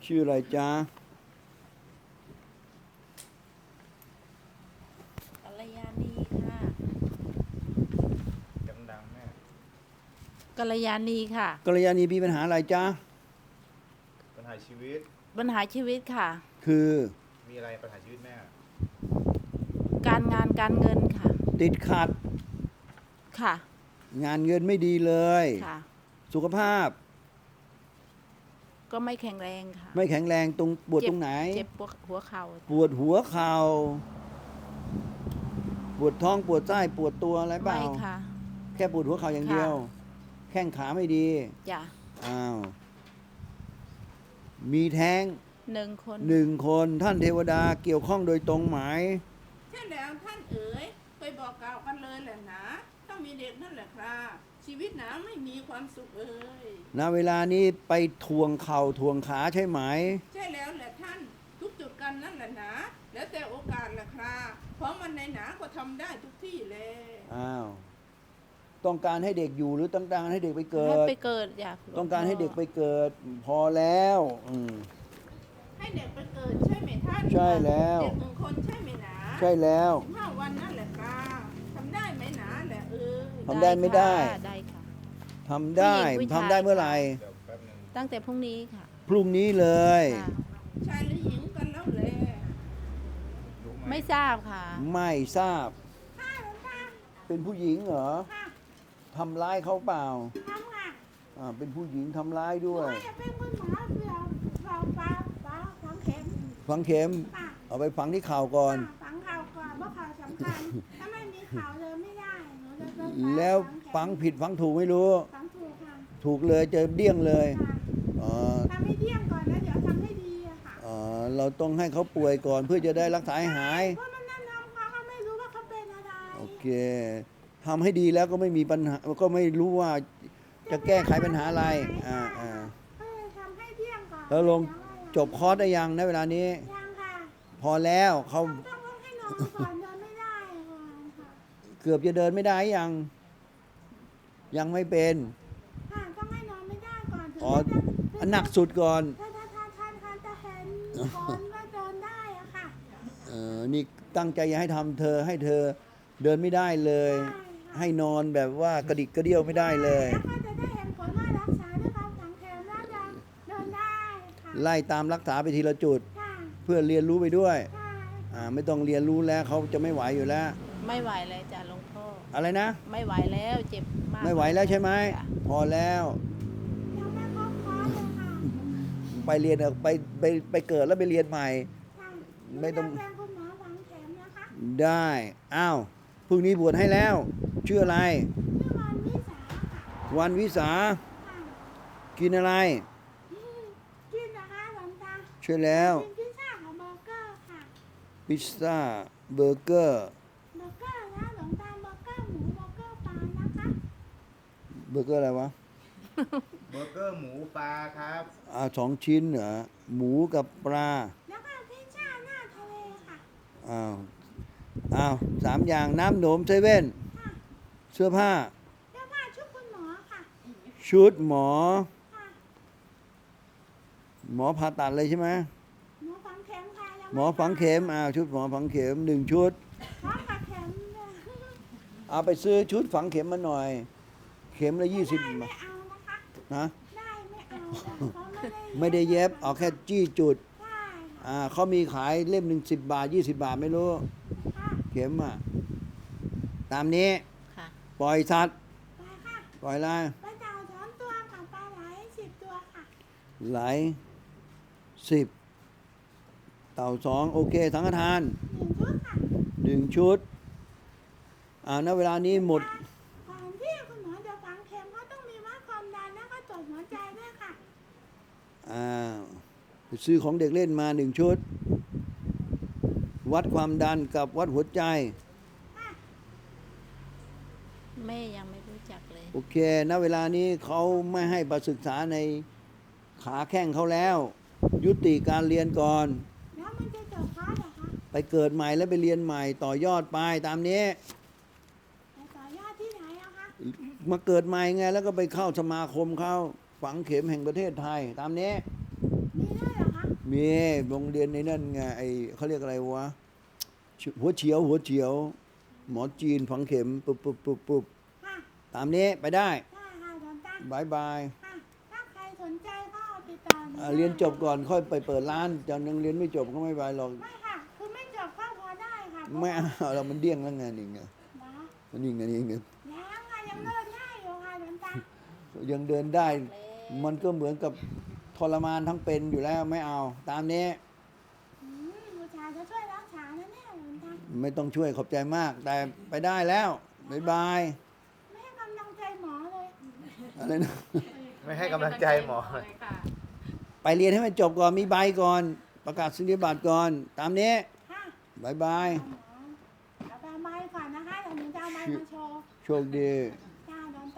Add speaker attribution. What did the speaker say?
Speaker 1: ชื่ออะไรจ๊ะ
Speaker 2: กัลยาณีค่ะ
Speaker 3: ดังๆแม่
Speaker 2: กัลยาณีค่ะ
Speaker 1: กัลยาณีมีปัญหาอะไรจ๊ะ
Speaker 3: ปัญหาชีวิต
Speaker 2: ปัญหาชีวิตค่ะ
Speaker 1: คือ
Speaker 3: มีอะไรปัญหาชีวิตแม่
Speaker 2: การงานการเงินค่ะ
Speaker 1: ติดขัด
Speaker 2: ค่ะ
Speaker 1: งานเงินไม่ดีเลย
Speaker 2: ค่ะ
Speaker 1: สุขภาพ
Speaker 2: ก็ไม่แข็งแรงค่ะ
Speaker 1: ไม่แข็งแรงตรงปวดตรงไหน
Speaker 2: เจ็บปวดหัวเข่า
Speaker 1: ปวดหัวเข่าปวดท้องปวดไส้ปวดตัวอะไรเป
Speaker 2: ไม่
Speaker 1: ล่า
Speaker 2: ค่ะ
Speaker 1: แค่ปวดหัวเข่าอย่างเดียว
Speaker 2: ค่ะ
Speaker 1: แข้งขาไม่ดี
Speaker 2: จ้ะ
Speaker 1: อ้าวมีแท้ง
Speaker 2: 1 คน
Speaker 1: 1 คนท่านเทวดาเกี่ยวข้องโดยตรงไหม
Speaker 4: ใช่แล้วท่านเอ๋ยเคยบอกกล่าวกันเลยแหละนะถ้ามีเด็กนั่นแหละครับชีวิตหนาไม่มีความสุขเอ๋ย
Speaker 1: ณเวลานี้ไปทวงเข่าทวงขาใช่ไหม
Speaker 4: ใช่แล้วแหละท่านทุกจุดกันนั่นแหละนะแล้วแต่โอกาสแหละครับเพราะมันในหนาก็ทำได้ทุกที่เลย
Speaker 1: อ้าวต้องการให้เด็กอยู่หรือต้องการให้เด็กไปเกิ
Speaker 2: ให้
Speaker 1: ด
Speaker 2: ไปเกิดจ้ะ
Speaker 1: ต้องการให้เด็กไปเกิด พอแล้ว
Speaker 4: ให้เด็กไปเกิดใช่ไหมท่าน
Speaker 1: ใช่แล้ว
Speaker 4: เด็ก1 คนใช่ไหมหนา
Speaker 1: ใช่แล้ว
Speaker 4: 15 วันนั่นแหละครับทำได้ไหมหนาแหละเอ๋ย
Speaker 1: ทำได้ไม่ได้
Speaker 2: ค่ะได้ค่ะ
Speaker 1: ทำได้
Speaker 2: ผู้หญิงผู้ชาย
Speaker 1: ทำได้เมื่อไหร่
Speaker 3: เดี๋ยวแป๊บนึง
Speaker 2: ตั้งแต่พรุ่งนี้ค่ะ
Speaker 1: พรุ่งนี้เลย
Speaker 2: ค่ะ
Speaker 4: ชายหรือหญิงกันแล้วแหละ
Speaker 3: รู้ไหม
Speaker 2: ไม่ทราบค่ะ
Speaker 1: ไม่ทราบ
Speaker 4: ค่ะหลวงตา
Speaker 1: เป็นผู้หญิงเหรอ
Speaker 4: ค่ะ
Speaker 1: ทำร้ายเขาเปล่า
Speaker 4: ทำค่ะ
Speaker 1: เป็นผู้หญิงทำร้ายด้วย
Speaker 4: ว่าจะเป็นคุณหมอเราฝังเข็ม
Speaker 1: ฝังเข็ม
Speaker 4: ค่ะ
Speaker 1: เอาไปฝังที่เข่าก่อน
Speaker 4: ฝังข่าวก่อนเพราะข่าวสำคัญ ถ้าไม่มีข่าวเลยไม่ได้หนูจะโดน
Speaker 1: แล้ว
Speaker 4: เข็ม
Speaker 1: ฝังผิดฝังถูกไม่รู้
Speaker 4: ฝังถูกค่ะ
Speaker 1: ถูกเลยเจอเดี้ยงเลย
Speaker 4: ค่ะ
Speaker 1: อ๋อ
Speaker 4: ทำให้เที่ยงก่อนแล้วเดี๋ยวทำให้ดีอะค่ะ
Speaker 1: เราต้องให้เขาป่วยก่อนเพื่อจะได้รักษาให้หาย
Speaker 4: เพราะมันแนะนำเขาไม่รู้ว่าเขาเป็นอะไร
Speaker 1: โอเคทำให้ดีแล้วก็ไม่มีปัญหาก็ไม่รู้ว่าจะแก้ไขปัญหาอะไร
Speaker 4: ก็เลยทำให้เที่ยงก่อน
Speaker 1: แล้วลงจบคอร์สได้ยังในเวลานี้
Speaker 4: ยังค่ะ
Speaker 1: พอแล้วเขา
Speaker 4: ต้องให้นอนก่อนเดินไม่ได้ก่อนค่ะ
Speaker 1: เกือบจะเดินไม่ได้ยังไม่เป็น
Speaker 4: ค่ะต้องให้นอนไม่ได้ก่อนถึง
Speaker 1: อ๋อ
Speaker 4: จะ
Speaker 1: อันหนักสุดก่อน
Speaker 4: ถ้าจะเห็นคนว่าเดินได้อะค่ะ
Speaker 1: นี่ตั้งใจจะให้ทำเธอให้เธอเดินไม่ได้เลย ให้นอนแบบว่ากระดิกกระเดี่ยวไม่ได้เลย
Speaker 4: แล้วก็จะได้เห็นผลว่ารักษาด้วยการฝังเข็มแล้วจะเดินได้ค่ะ
Speaker 1: ไล่ตามรักษาไปทีละจุด
Speaker 4: ค่ะ
Speaker 1: เพื่อเรียนรู้ไปด้วย
Speaker 4: ค่ะ
Speaker 1: ไม่ต้องเรียนรู้แล้วเขาจะไม่ไหวอยู่แล้ว
Speaker 2: ไม่ไหวแล้วจ้ะหลวงพ่อ
Speaker 1: อะไรนะ
Speaker 2: ไม่ไหวแล้วเจ็บมาก
Speaker 1: ไม่ไหวแล้วใช่ไหม
Speaker 2: จ้ะ
Speaker 1: พอแล้ว
Speaker 4: ยังไม่ครบคอร์สเลยค่ะ
Speaker 1: ไปเรียนไปเกิดแล้วไปเรียนใหม่
Speaker 4: ค่ะ
Speaker 1: ไม่ต้อง
Speaker 4: หนูจะเป็นคุณหมอฝังเข็มนะคะ
Speaker 1: ได้อ้าวพรุ่งนี้บวชให้แล้วชื่ออะไร
Speaker 4: ชื่อวันวิสาค่ะ
Speaker 1: วันวิสา
Speaker 4: ค่ะ
Speaker 1: กินอะไร
Speaker 4: กินนะคะหลวงตา
Speaker 1: ช่วยแล้ว
Speaker 4: กินพิซซ่ากับเบอร์เกอร์ค่ะ
Speaker 1: พิซซ่าเบอร์เกอร์
Speaker 4: เบอร์เกอร์นะหลวงตาเบอร์เกอร์หมูเบอร์เกอร์ปลานะคะ
Speaker 1: เบอร์เกอร์อะไรวะ
Speaker 3: เบอร์เกอร์หมูปลาครับ
Speaker 1: 2 ชิ้นเหรอหมูกับปลา
Speaker 4: แล้วก็พิซซ่าหน้าทะเลค่ะ
Speaker 1: อ้าว 3 อย่างน้ำหนมเซเว่น
Speaker 4: ค่ะ
Speaker 1: เสื้อผ้า
Speaker 4: เสื้อผ้าชุดคุณหมอค่ะ
Speaker 1: ชุดหมอ
Speaker 4: ค่ะ
Speaker 1: หมอผ่าตัดเลยใช่ไหม
Speaker 4: หมอฝังเข็มค่ะยัง
Speaker 1: หมอฝังเข็มชุดหมอฝังเข็ม1 ชุด
Speaker 4: พร้อมกับเข็มเลย
Speaker 1: เอาไปซื้อชุดฝังเข็มมาหน่อย เข็มละ20
Speaker 4: ได้
Speaker 1: บา
Speaker 4: ไม่
Speaker 1: ท
Speaker 4: เอานะคะ
Speaker 1: นะ
Speaker 4: ได้ไม่เอาค่ะเขา
Speaker 1: ไม่ได้เย็บเอาแค่จี้จุด
Speaker 4: ได้ค่ะ
Speaker 1: เขามีขายเล่มหนึ่ง10 บาท 20 บาทไม่รู้
Speaker 4: ค่ะ
Speaker 1: เข็มตามนี้
Speaker 2: ค่ะ
Speaker 1: ปล่อยสัตว์
Speaker 4: ไปค่ะ
Speaker 1: ปล่อยอะไร
Speaker 4: ปลาเต่า2 ตัวกับปลาไหล10 ตัวค่ะ
Speaker 1: ไหล10 เต่า2โอเคสังฆทาน
Speaker 4: 1 ชุดค่ะ
Speaker 1: 1 ชุดณเวลานี้หมด
Speaker 4: ก่อนที่คุณหมอจะฝังเข็มเขาต้องมีวัดความดันแล้วก็ตรวจหัวใจด้วยค่ะ
Speaker 1: ไปซื้อของเด็กเล่นมา1 ชุด วัดความดันกับวัดหัวใจ
Speaker 2: แม่ยังไม่รู้จักเลย
Speaker 1: โอเคณเวลานี้เขาไม่ให้ประศึกษาในขาแข้งเขาแล้ว ยุติการเรียนก่อน
Speaker 4: แล้วมันจะจบคอร์สเหรอคะ
Speaker 1: ไปเกิดใหม่แล้วไปเรียนใหม่ต่อยอดไปตามนี้
Speaker 4: ไปต่อยอดที่ไหนอะคะ
Speaker 1: มาเกิดใหม่ไงแล้วก็ไปเข้าสมาคมเขาฝังเข็มแห่งประเทศไทย ตามนี้
Speaker 4: มีด้วยเหรอคะ
Speaker 1: มีโรงเรียนในนั่นไงไอเขาเรียกอะไรวะหัวเฉียวหมอจีนฝังเข็มปุ๊บ
Speaker 5: ค่ะ
Speaker 1: ตามนี้ไปได้
Speaker 5: ได้ค่ะหลวงตา
Speaker 1: บายบาย
Speaker 5: ค่ะถ้าใครสนใจก็ติดต่อหนูได้
Speaker 1: เรียนจบก่อนค่อยไปเปิดร้านจะยังเรียนไม่จบก็ไม่ไปหรอก
Speaker 5: ไม่ค่ะ คือไม่จบก็พอได้ค่ะ
Speaker 1: ไม่เอาเรามันเดี้ยงแล้วไงนี่ไง
Speaker 5: นะ
Speaker 1: นี่ไง
Speaker 5: ยังค่ะยังเดินได้อยู่ค่ะหลวงตา
Speaker 1: ยังเดินได้ มันก็เหมือนกับทรมานทั้งเป็นอยู่แล้วไม่เอา ตามนี้
Speaker 5: บูชาจะช่วยรักษานะเนี่ยหลวงตา
Speaker 1: ไม่ต้องช่วยขอบใจมาก แต่ไปได้แล้วบายบาย
Speaker 5: ไม่ให้กำลังใจหมอเลย
Speaker 1: อะไรนะ
Speaker 3: ไม่ให้กำลังใจหมอ
Speaker 2: เลยค่ะ
Speaker 1: ไปเรียนให้มันจบก่อนมีใบก่อน ประกาศนียบัตรก่อน ตามนี้
Speaker 5: ค่ะ
Speaker 1: บายบาย
Speaker 5: หมอเอาไปไม้ก่อนนะคะเดี๋ยวหนูจะเอาไม้มาโชว์
Speaker 1: โชคดี
Speaker 5: ค